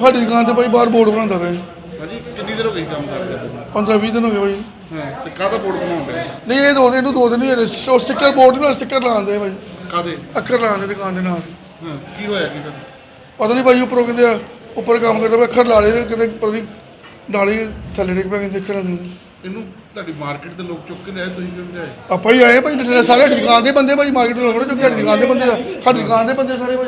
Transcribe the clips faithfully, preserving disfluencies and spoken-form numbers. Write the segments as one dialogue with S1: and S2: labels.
S1: ਸਾਡੀ ਦੁਕਾਨ ਤੇ ਭਾਈ ਬਾਹਰ ਬੋਰਡ ਬਣਾਉਂਦਾ ਪਿਆ।
S2: ਹਾਂਜੀ ਕਿੰਨੀ ਦੇਰ ਹੋ ਗਈ ਕੰਮ ਕਰਦੇ?
S1: ਪੰਦਰਾਂ ਵੀਹ ਦਿਨ ਹੋ ਗਏ ਭਾਈ।
S2: ਹਾਂ ਤੇ ਕਾਹਦਾ ਬੋਰਡ ਬਣਾਉਣ ਡਿਆ?
S1: ਨਹੀਂ ਇਹ ਦੋ ਇਹਨੂੰ ਦੋ ਦਿਨ ਹੀ ਹੋਏ, ਸਟicker ਬੋਰਡ ਨਾਲ ਸਟicker ਲਾਉਂਦੇ ਭਾਈ,
S2: ਕਾਹਦੇ?
S1: ਅੱਖਰ ਲਾਉਂਦੇ ਦੁਕਾਨ ਦੇ ਨਾਲ।
S2: ਹਾਂ ਕੀ ਹੋਇਆ ਕੀ ਫਿਰ?
S1: ਪਤਾ ਨਹੀਂ ਭਾਈ ਉੱਪਰੋਂ ਕਹਿੰਦੇ ਆ ਉੱਪਰ ਕੰਮ ਕਰਦਾ ਪਿਆ, ਅੱਖਰ ਲਾ ਲਏ ਤੇ ਕਹਿੰਦੇ ਪਤਾ ਨਹੀਂ ਨਾਲੀ ਥੱਲੇ ਡਿੱਗ ਪਿਆ ਕਹਿੰਦੇ ਅੱਖਰ ਨੂੰ।
S2: ਇਹਨੂੰ ਤੁਹਾਡੀ ਮਾਰਕੀਟ ਤੇ ਲੋਕ ਚੁੱਕ ਕੇ ਲਿਆਏ, ਤੁਸੀਂ ਕਿਉਂ ਲਿਆਏ?
S1: ਆਪਾਂ ਹੀ ਆਏ ਭਾਈ, ਸਾਰੇ ਸਾਡੀ ਦੁਕਾਨ ਦੇ ਬੰਦੇ ਭਾਈ, ਮਾਰਕੀਟ ਤੋਂ ਥੋੜ੍ਹੇ ਚੁੱਕੇ, ਸਾਡੀ ਦੁਕਾਨ ਦੇ ਬੰਦੇ ਆ, ਸਾਡੀ ਦੁਕਾਨ ਦੇ ਬੰਦੇ ਸਾਰੇ ਭਾਈ।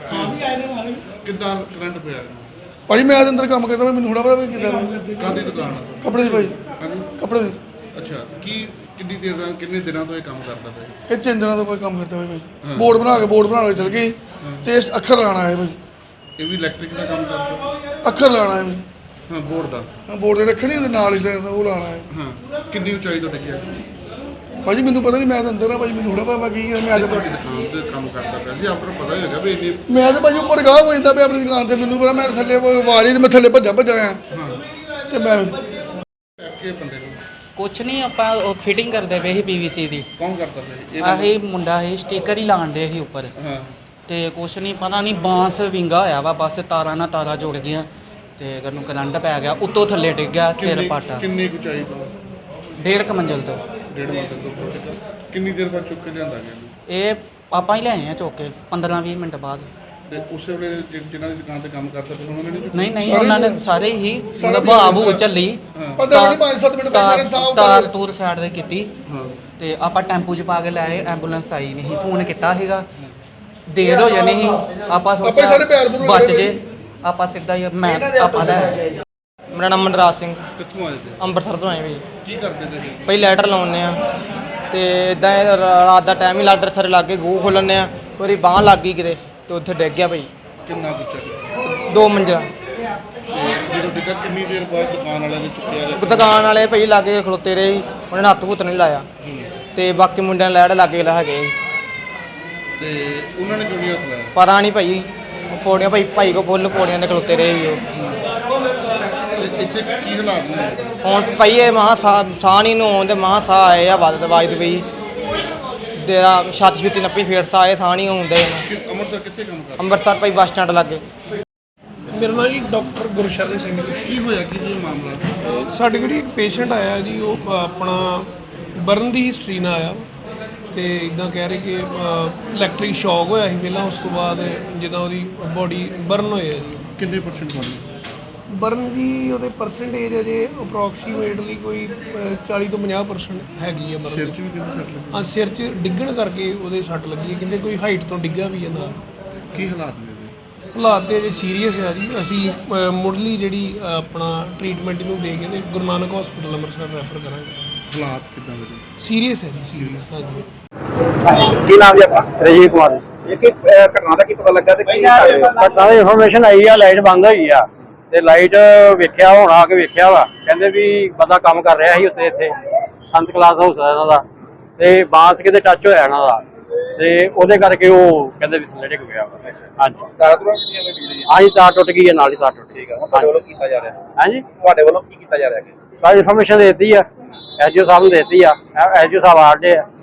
S2: ਕਿੱਦਾਂ ਕਰੰਟ ਪਿਆ?
S1: ਭਾਈ ਮੈਂ ਤਾਂ ਅੰਦਰ ਕੰਮ ਕਰਦਾ ਭਾਈ, ਮੈਨੂੰ ਥੋੜ੍ਹਾ ਪਤਾ ਭਾਈ ਕਿੱਦਾਂ ਭਾਈ।
S2: ਕਾਹਦੀ ਦੁਕਾਨ ਆ?
S1: ਕੱਪੜੇ ਦੀ ਭਾਈ।
S2: ਹਾਂਜੀ
S1: ਕੱਪੜੇ ਦੀ।
S2: ਅੱਛਾ ਕੀ ਕਿੰਨੀ ਦੇਰ ਦਾ ਕਿੰਨੇ ਦਿਨਾਂ ਤੋਂ ਇਹ ਕੰਮ ਕਰਦਾ ਪਿਆ?
S1: ਇਹ ਤਿੰਨ ਦਿਨਾਂ ਤੋਂ ਕੋਈ ਕੰਮ ਕਰਦਾ ਭਾਈ ਭਾਈ। ਬੋਰਡ ਬਣਾ ਕੇ ਬੋਰਡ ਬਣਾ ਕੇ ਚਲ ਗਏ ਤੇ ਅੱਖਰ ਲਾਣਾ ਹੈ ਭਾਈ।
S2: ਇਹ ਵੀ ਇਲੈਕਟ੍ਰਿਕ ਦਾ ਕੰਮ ਕਰਦਾ?
S1: ਅੱਖਰ ਲਾਣਾ ਹੈ ਭਾਈ।
S2: ਹਾਂ ਬੋਰਡ ਦਾ?
S1: ਹਾਂ ਬੋਰਡ ਦੇ ਰੱਖੇ ਨਹੀਂ ਹੁੰਦੇ ਨਾਲ ਹੀ ਲੱਗਦਾ, ਉਹ ਲਾਣਾ ਹੈ।
S2: ਹਾਂ ਕਿੰਨੀ ਉਚਾਈ ਤੋਂ ਡਿੱਗਿਆ?
S1: ਭਾਜੀ ਮੈਨੂੰ ਪਤਾ ਨਹੀਂ, ਮੈਂ ਤਾਂ ਅੰਦਰ ਆ ਭਾਜੀ, ਮੈਨੂੰ ਥੋੜਾ ਪਤਾ ਮੈਂ ਕੀ ਆ। ਮੈਂ ਤਾਂ
S2: ਤੁਹਾਡੀ ਦੁਕਾਨ ਤੇ ਕੰਮ ਕਰਦਾ ਪਿਆ ਸੀ, ਆਪਾਂ ਨੂੰ ਪਤਾ ਹੀ ਹੋਗਾ ਵੀ ਇੰਨੀ।
S1: ਮੈਂ ਤਾਂ ਭਾਜੀ ਉੱਪਰ ਗਾਹ ਹੋ ਜਾਂਦਾ ਪਿਆ ਆਪਣੀ ਦੁਕਾਨ ਤੇ, ਮੈਨੂੰ ਪਤਾ ਮੈਂ ਥੱਲੇ ਆਵਾਜ਼ ਹੀ ਮੈਂ ਥੱਲੇ ਭੱਜਾ ਭੱਜਾ ਆਇਆ
S2: ਹਾਂ
S1: ਤੇ ਮੈਂ
S2: ਕਿ ਬੰਦੇ ਨੂੰ
S3: ਕੁਛ ਨਹੀਂ, ਆਪਾਂ ਉਹ ਫਿਟਿੰਗ ਕਰਦੇ ਪਏ ਸੀ ਪੀਵੀਸੀ ਦੀ।
S2: ਕੌਣ ਕਰਦਾ ਪਿਆ?
S3: ਆਹੀ ਮੁੰਡਾ ਸੀ, ਸਟicker ਹੀ ਲਾਣ ਦੇ ਸੀ ਉੱਪਰ।
S2: ਹਾਂ
S3: ਤੇ ਕੁਛ ਨਹੀਂ ਪਤਾ ਨਹੀਂ, ਬਾਂਸ ਵਿੰਗਾ ਹੋਇਆ ਵਾ, ਬਸ ਤਾਰਾਂ ਨਾਲ ਤਾਰਾਂ ਜੁੜ ਗਈਆਂ ਤੇ ਉਹਨੂੰ ਕਰੰਟ ਪੈ ਗਿਆ, ਉੱਤੋਂ ਥੱਲੇ ਡਿੱਗ ਗਿਆ ਸਿਰ
S2: ਕਿੰਨੀ-
S3: ਪਾਟਾ।
S2: ਕਿੰਨੀ ਕੁ ਉਚਾਈ ਤੋਂ?
S3: ਡੇਢ ਕੁ ਮੰਜ਼ਿਲ ਤੋਂ।
S2: ਡੇਢ ਮੰਜ਼ਿਲ ਤੋਂ ਉੱਪਰ ਡਿੱਗਾ। ਕਿੰਨੀ ਦੇਰ ਬਾਅਦ ਚੁੱਕ ਕੇ ਲਿਆਂਦਾ ਗਿਆ ਇਹਨੂੰ?
S3: ਇਹ ਆਪਾਂ ਹੀ ਲਿਆਏ ਆ ਚੁੱਕ ਕੇ ਪੰਦਰਾਂ ਵੀਹ ਮਿੰਟ ਬਾਅਦ।
S2: ਤੇ ਉਸੇ ਵੇਲੇ ਜਿ- ਜਿਨ੍ਹਾਂ ਦੀ ਦੁਕਾਨ ਤੇ ਕੰਮ ਕਰਦਾ ਪਿਆ ਉਹਨਾਂ ਨੇ ਨਹੀਂ ਚੁੱਕਿਆ?
S3: ਨਹੀਂ ਨਹੀਂ, ਉਹਨਾਂ ਨੇ ਸਾਰੇ ਹੀ ਮਤਲਬ ਭਾਵੂ ਚੱਲੀ,
S1: ਪੰਦਰਾਂ ਨਹੀਂ ਪੰਜ ਸੱਤ ਮਿੰਟ ਬਾਅਦ ਸਾਰੇ
S3: ਤਾਰ
S1: ਸਾਫ
S3: ਤਾਰ ਤੂਰ ਸਾਈਡ ਤੇ ਕੀਤੀ
S2: ਹਾਂ
S3: ਤੇ ਆਪਾਂ ਟੈਂਪੂ 'ਚ ਪਾ ਕੇ ਲੈ ਆਏ। ਐਂਬੂਲੈਂਸ ਆਈ ਨਹੀਂ, ਫੋਨ ਕੀਤਾ ਸੀਗਾ, ਦੇਰ ਹੋ ਜਾਣੀ ਸੀ। ਆਪਾਂ
S1: ਆਪਾਂ ਹੀ ਸਾਰੇ ਪਿਆਰ
S3: ਸੋਚਿਆ
S1: ਪੂਰਵਕ
S3: ਬਚ
S1: ਰਹੇ
S3: ਜੇ, ਆਪਾਂ ਸਿੱਧਾ ਹੀ ਮੈਂ ਆਪਾਂ ਲੈ ਆਏ।
S4: ਮੇਰਾ ਨਾਮ ਮਨਰਾਜ ਸਿੰਘ,
S2: ਕਿੱਥੋਂ ਆਏ ਤੇ?
S4: ਅੰਮ੍ਰਿਤਸਰ ਤੋਂ ਆਏ ਭਾਈ।
S2: ਕੀ ਕਰਦੇ ਤੇ?
S4: ਭਾਈ ਲੈਟਰ ਲਾਉਂਦੇ ਆ ਤੇ ਇਦਾਂ ਰਾਤ ਦਾ ਟਾਈਮ ਹੀ ਲੈਟਰ ਸਾਰੇ ਲਾਗੇ ਗੂੰ ਖੋਲ੍ਹਣੇ ਆ, ਮੇਰੀ ਬਾਂਹ ਲੱਗ ਗਈ ਕਿਤੇ ਤੇ ਉੱਥੇ ਡਿੱਗ ਗਿਆ ਭਾਈ।
S2: ਕਿੰਨਾ ਕੁ
S4: ਦੋ ਮੰਜ਼ਿਲਾ।
S2: ਤੇ ਜਦੋਂ ਡਿੱਗਾ ਕਿੰਨੀ ਦੇਰ ਬਾਅਦ ਦੁਕਾਨ ਵਾਲਿਆਂ ਨੇ ਚੁੱਕਿਆ ਜਾਂ?
S4: ਦੁਕਾਨ ਵਾਲੇ ਭਾਈ ਲਾਗੇ ਖਲੋਤੇ ਰਹੇ ਸੀ, ਉਹਨਾਂ ਨੇ ਹੱਥ ਹੁੱਥ ਨਹੀਂ ਲਾਇਆ ਤੇ ਬਾਕੀ ਮੁੰਡਿਆਂ ਨੇ ਲੈਟ ਲਾਗੇ ਲਾ ਹੈਗੇ ਸੀ।
S2: ਤੇ ਉਹਨਾਂ ਨੇ ਕਿਉਂ ਨਹੀਂ ਹੱਥ ਲਾਇਆ?
S4: ਪਤਾ ਨਹੀਂ ਭਾਈ, ਉਹ ਪੌੜੀਆਂ ਭਾਈ ਭਾਈ ਕੋ ਫੁੱਲ ਪੌੜੀਆਂ ਦੇ ਖਲੋਤੇ ਰਹੇ ਸੀ ਉਹ।
S2: ਤੇ ਇੱਥੇ ਕੀ ਹਾਲਾਤ ਨੇ?
S4: ਹੁਣ ਭਾਈ ਇਹ ਮਹਾ ਸਾਹ ਸਾਹ ਨਹੀਂ ਨੂੰ ਆਉਂਦੇ, ਮਹਾ ਸਾਹ ਆਏ ਆ ਵੱਧ ਦਵਾਈ ਦਵਾਈ ਤੇਰਾ ਛਾਤੀ ਛੁੱਤੀ ਨੱਪੀ ਫੇਰ ਸਾਹ ਆਏ, ਸਾਹ ਨਹੀਂ ਆਉਂਦੇ ਇਹਨੂੰ।
S2: ਕਿ ਅੰਮ੍ਰਿਤਸਰ ਕਿੱਥੇ ਕੰਮ ਕਰਦਾ?
S4: ਅੰਮ੍ਰਿਤਸਰ ਭਾਈ ਬੱਸ ਸਟੈਂਡ ਲੱਗੇ।
S5: ਮੇਰਾ ਨਾਮ ਜੀ ਡਾਕਟਰ ਗੁਰਸ਼ਰਨ ਸਿੰਘ ਜੀ।
S2: ਕੀ ਹੋਇਆ ਕੀ ਜੀ ਮਾਮਲਾ?
S5: ਅਹ ਸਾਡੇ ਕੋਲ ਇੱਕ ਪੇਸ਼ੈਂਟ ਆਇਆ ਜੀ, ਉਹ ਅਹ ਆਪਣਾ ਬਰਨ ਦੀ ਹਿਸਟਰੀ ਨਾਲ ਆਇਆ ਤੇ ਇਦਾਂ ਕਹਿ ਰਹੇ ਕਿ ਇਲੈਕਟ੍ਰਿਕ ਸ਼ੌਕ ਹੋਇਆ ਸੀ ਪਹਿਲਾਂ, ਉਸ ਤੋਂ ਬਾਅਦ ਜਿੱਦਾਂ ਉਹਦੀ ਬੋਡੀ ਬਰਨ ਹੋਇਆ ਜੀ।
S2: ਕਿੰਨੇ ਪਰਸੈਂਟ ਬਣੇ?
S5: ਬਰਨ ਜੀ ਉਹਦੇ ਪਰਸੈਂਟੇਜ ਅਜੇ ਅਪਰੋਕਸੀਮੇਟਲੀ ਕੋਈ ਅਹ ਚਾਲੀ ਤੋਂ ਪੰਜਾਹ ਪਰਸੈਂਟ ਹੈਗੀ ਆ
S2: ਸਿਰ
S5: ਬਰਨ
S2: 'ਚ ਵੀ ਕਿੰਨੇ ਸੱਟ ਲੱਗੀ?
S5: ਹਾਂ ਸਿਰ 'ਚ ਡਿੱਗਣ ਕਰਕੇ ਉਹਦੇ ਸੱਟ ਲੱਗੀ ਹੈ, ਕਹਿੰਦੇ ਕੋਈ ਹਾਈਟ ਤੋਂ ਡਿੱਗਾ ਵੀ ਹੈ ਨਾਲ।
S2: ਕੀ ਹਾਲਾਤ ਨੇ ਇਹਦੇ?
S5: ਹਾਲਾਤ ਤੇ ਅਜੇ ਸੀਰੀਅਸ ਆ ਜੀ। ਅਸੀਂ ਅਹ ਮੁੱਢਲੀ ਜਿਹੜੀ ਅਹ ਆਪਣਾ ਟ੍ਰੀਟਮੈਂਟ ਇਹਨੂੰ ਦੇ ਕੇ ਤੇ ਗੁਰੂ ਨਾਨਕ ਹਸਪੀਟਲ ਅੰਮ੍ਰਿਤਸਰ ਰੈਫਰ ਕਰਾਂਗੇ।
S2: ਹਾਲਾਤ ਕਿੱਦਾਂ ਦੇ?
S5: ਸੀਰੀਅਸ ਹੈ ਜੀ, ਸੀਰੀਅਸ। ਹਾਂਜੀ
S6: ਕੀ ਨਾਮ ਜੀ ਆਪਣਾ?
S7: ਰਜੀਵ ਕੁਮਾਰ।
S6: ਇਹ ਕੀ ਅਹ ਘਟਨਾ ਦਾ ਕੀ ਪਤਾ ਲੱਗਾ ਤੇ ਕੀ ਕਰ ਰਹੇ ਹੋ?
S7: ਘਟਨਾ ਦੀ ਇਨਫੋਰਮੇਸ਼ਨ ਆਈ ਆ, ਲਾਈਟ ਬੰਦ ਹੋਈ ਆ ਤੇ ਲਾਈਟ ਵੇਖਿਆ, ਹੁਣ ਆ ਕੇ ਵੇਖਿਆ ਵਾ, ਕਹਿੰਦੇ ਵੀ ਬੰਦਾ ਕੰਮ ਕਰ ਰਿਹਾ ਸੀ ਉੱਤੇ, ਇੱਥੇ ਸੰਤ ਕਲਾਸ ਹਾਊਸ ਆ ਇਹਨਾਂ ਦਾ, ਤੇ ਬਾਂਸ ਕਿਤੇ ਟੱਚ ਹੋਇਆ ਇਹਨਾਂ ਦਾ ਤੇ ਉਹਦੇ ਕਰਕੇ ਉਹ ਕਹਿੰਦੇ ਵੀ ਥੱਲੇ ਡਿੱਗ ਗਿਆ ਵਾ। ਹਾਂਜੀ
S6: ਤਾਰਾਂ ਤੁਰਾਂ ਕਿੰਨੀਆਂ ਕੋਈ ਬਿਜਲੀ?
S7: ਹਾਂਜੀ, ਤਾਰ ਟੁੱਟ ਗਈ ਹੈ, ਨਾਲ ਹੀ ਤਾਰ ਟੁੱਟ ਗਈ।
S6: ਠੀਕ ਆ, ਤੁਹਾਡੇ ਵੱਲੋਂ ਕੀਤਾ ਜਾ ਰਿਹਾ?
S7: ਹਾਂਜੀ,
S6: ਤੁਹਾਡੇ ਵੱਲੋਂ ਕੀ ਕੀਤਾ ਜਾ ਰਿਹਾ?
S7: ਬਾਅਦ ਇਨਫੋਰਮੇਸ਼ਨ ਦੇ ਦਿੱਤੀ ਆ, ਐਸਡੀਓ ਸਾਹਿਬ ਨੂੰ ਦੇ ਦਿੱਤੀ ਆ, ਐਸਡੀਓ ਸਾਹਿਬ ਆ ਰਹੇ ਆ।